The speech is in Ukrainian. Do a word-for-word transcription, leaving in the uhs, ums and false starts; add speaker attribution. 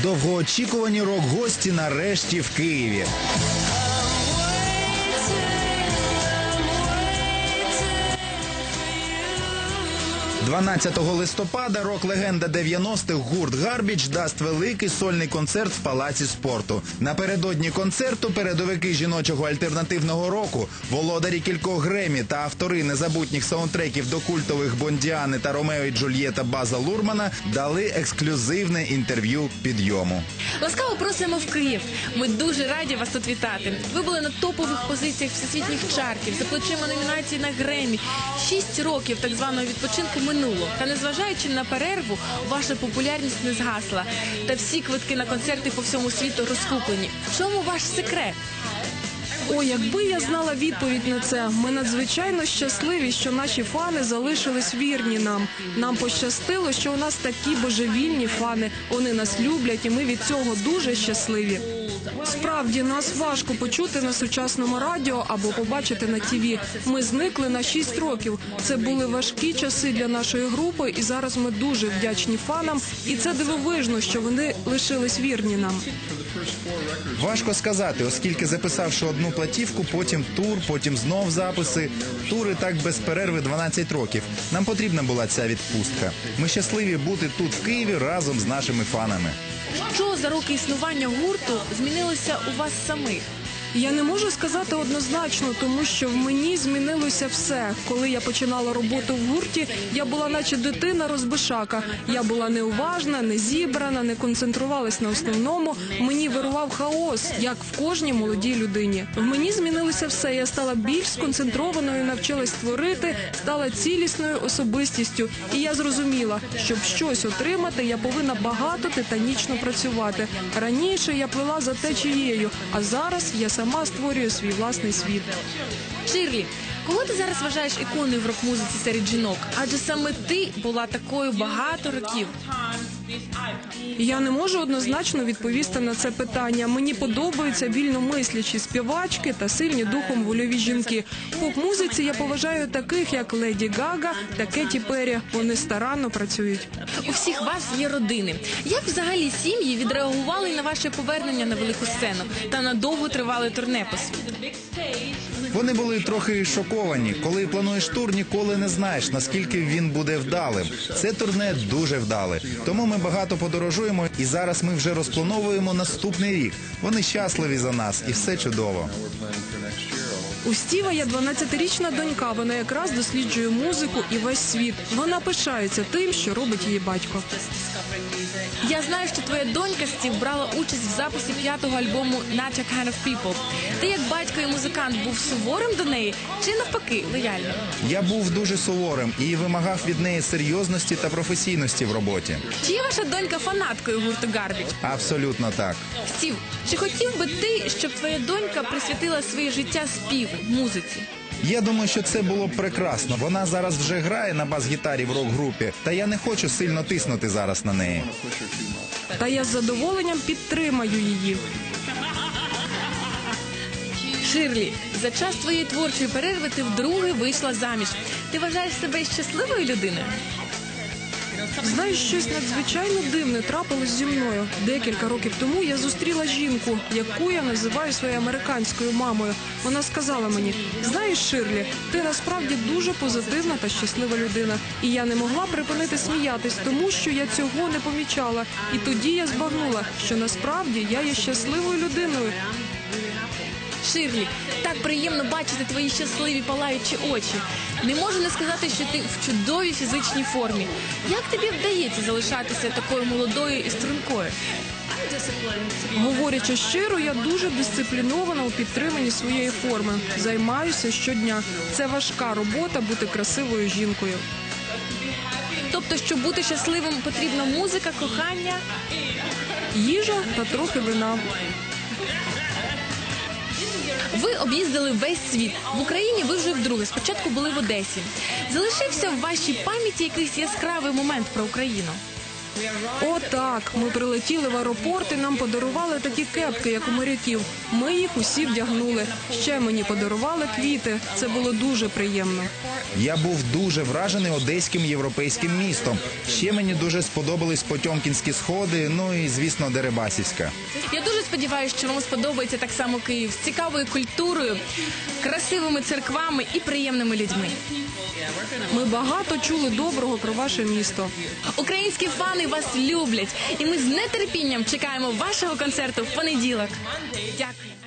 Speaker 1: Довгоочікувані рок-гості нарешті в Києві. дванадцятого листопада рок-легенда дев'яностих гурт «Гарбідж» дасть великий сольний концерт в Палаці спорту. Напередодні концерту передовики жіночого альтернативного року, володарі кількох Греммі та автори незабутніх саундтреків до культових «Бондіани» та «Ромео і Джульєта» База Лурмана дали ексклюзивне інтерв'ю «Підйому».
Speaker 2: Ласкаво просимо в Київ. Ми дуже раді вас тут вітати. Ви були на топових позиціях всесвітніх чартів, за плечима номінації на Греммі. Шість років так званого відпочинку минуло. Та незважаючи на перерву, ваша популярність не згасла. Та всі квитки на концерти по всьому світу розкуплені. В чому ваш секрет?
Speaker 3: О, якби я знала відповідь на це. Ми надзвичайно щасливі, що наші фани залишились вірні нам. Нам пощастило, що у нас такі божевільні фани. Вони нас люблять, і ми від цього дуже щасливі. Справді, нас важко почути на сучасному радіо або побачити на ТІВІ. Ми зникли на шість років. Це були важкі часи для нашої групи, і зараз ми дуже вдячні фанам. І це дивовижно, що вони лишились вірні нам.
Speaker 1: Важко сказати, оскільки записавши одну платівку, потім тур, потім знов записи. Тури так без перерви дванадцять років. Нам потрібна була ця відпустка. Ми щасливі бути тут, в Києві, разом з нашими фанами.
Speaker 2: Що за роки існування гурту змінилося у вас самих?
Speaker 3: Я не можу сказати однозначно, тому що в мені змінилося все. Коли я починала роботу в гурті, я була наче дитина розбишака. Я була неуважна, не зібрана, не концентрувалась на основному. Мені вирував хаос, як в кожній молодій людині. В мені змінилося все. Я стала більш сконцентрованою, навчилась творити, стала цілісною особистістю. І я зрозуміла, щоб щось отримати, я повинна багато титанічно працювати. Раніше я плила за течією, а зараз я сама створюю свій власний світ.
Speaker 2: Ширлі, кого ти зараз вважаєш іконою в рок-музиці серед жінок? Адже саме ти була такою багато років.
Speaker 3: Я не можу однозначно відповісти на це питання. Мені подобаються вільномислячі співачки та сильні духом вольові жінки. В поп-музиці я поважаю таких, як Леді Гага та Кеті Перрі. Вони старанно працюють.
Speaker 2: У всіх вас є родини. Як взагалі сім'ї відреагували на ваше повернення на велику сцену та на довготривале турне по світу?
Speaker 1: Вони були трохи шоковані. Коли плануєш тур, ніколи не знаєш, наскільки він буде вдалим. Це турне дуже вдале. Тому ми багато подорожуємо, і зараз ми вже розплановуємо наступний рік. Вони щасливі за нас, і все чудово.
Speaker 3: У Стіва є дванадцятирічна донька, вона якраз досліджує музику і весь світ. Вона пишається тим, що робить її батько.
Speaker 2: Я знаю, що твоя донька, Стів, брала участь в записі п'ятого альбому «Not Your Kind of People». Ти, як батько і музикант, був суворим до неї чи, навпаки, лояльним?
Speaker 1: Я був дуже суворим і вимагав від неї серйозності та професійності в роботі.
Speaker 2: Чи є ваша донька фанаткою гурту «Гарбідж»?
Speaker 1: Абсолютно так.
Speaker 2: Стів, чи хотів би ти, щоб твоя донька присвятила своє життя співу, музиці?
Speaker 1: Я думаю, що це було б прекрасно. Вона зараз вже грає на бас-гітарі в рок-групі, та я не хочу сильно тиснути зараз на неї.
Speaker 3: Та я з задоволенням підтримаю її.
Speaker 2: Ширлі, за час твоєї творчої перерви ти вдруге вийшла заміж. Ти вважаєш себе щасливою людиною?
Speaker 3: Знаєш, щось надзвичайно дивне трапилось зі мною. Декілька років тому я зустріла жінку, яку я називаю своєю американською мамою. Вона сказала мені: знаєш, Ширлі, ти насправді дуже позитивна та щаслива людина. І я не могла припинити сміятись, тому що я цього не помічала. І тоді я збагнула, що насправді я є щасливою людиною.
Speaker 2: Ширлі, так приємно бачити твої щасливі палаючі очі. Не можу не сказати, що ти в чудовій фізичній формі. Як тобі вдається залишатися такою молодою і стрункою?
Speaker 3: Говорячи щиро, я дуже дисциплінована у підтриманні своєї форми. Займаюся щодня. Це важка робота бути красивою жінкою.
Speaker 2: Тобто, щоб бути щасливим, потрібна музика, кохання?
Speaker 3: Їжа та трохи вина.
Speaker 2: Ви об'їздили весь світ. В Україні ви вже вдруге. Спочатку були в Одесі. Залишився в вашій пам'яті якийсь яскравий момент про Україну?
Speaker 3: О, так, ми прилетіли в аеропорт і нам подарували такі кепки, як у моряків. Ми їх усі вдягнули. Ще мені подарували квіти. Це було дуже приємно.
Speaker 1: Я був дуже вражений одеським європейським містом. Ще мені дуже сподобались Потьомкінські сходи, ну і, звісно, Дерибасівська.
Speaker 2: Я дуже сподіваюся, що вам сподобається так само Київ з цікавою культурою, красивими церквами і приємними людьми.
Speaker 3: Ми багато чули доброго про ваше місто.
Speaker 2: Українські фани вас люблять, і ми з нетерпінням чекаємо вашого концерту в понеділок. Дякую.